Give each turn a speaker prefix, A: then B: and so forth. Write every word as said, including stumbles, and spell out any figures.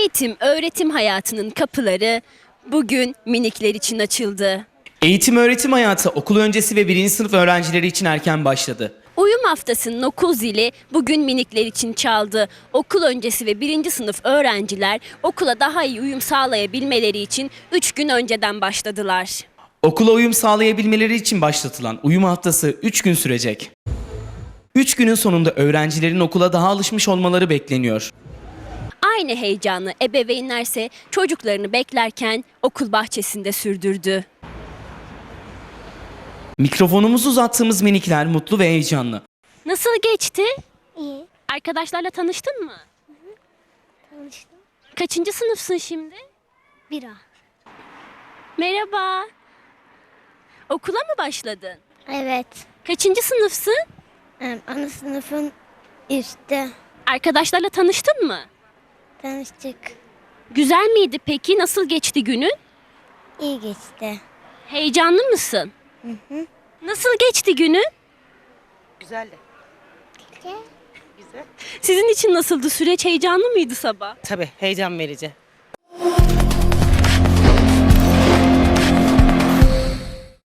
A: Eğitim, öğretim hayatının kapıları bugün minikler için açıldı.
B: Eğitim öğretim hayatı okul öncesi ve birinci sınıf öğrencileri için erken başladı.
A: Uyum haftasının okul zili bugün minikler için çaldı. Okul öncesi ve birinci sınıf öğrenciler okula daha iyi uyum sağlayabilmeleri için üç gün önceden başladılar.
B: Okula uyum sağlayabilmeleri için başlatılan uyum haftası üç gün sürecek. üç günün sonunda öğrencilerin okula daha alışmış olmaları bekleniyor.
A: Aynı heyecanı ebeveynlerse çocuklarını beklerken okul bahçesinde sürdürdü.
B: Mikrofonumuzu uzattığımız minikler mutlu ve heyecanlı.
A: Nasıl geçti?
C: İyi.
A: Arkadaşlarla tanıştın mı?
C: Tanıştım.
A: Kaçıncı sınıfsın şimdi?
C: Bira.
A: Merhaba. Okula mı başladın?
C: Evet.
A: Kaçıncı sınıfsın?
C: Em, Ana sınıfın üstte
A: Arkadaşlarla tanıştın mı?
C: tanıştık.
A: Güzel miydi peki? Nasıl geçti günün?
C: İyi geçti.
A: Heyecanlı mısın? Nasıl geçti günün?
D: Güzeldi. Güzel.
A: Sizin için nasıldı süreç? Heyecanlı mıydı sabah?
D: Tabii heyecan verici.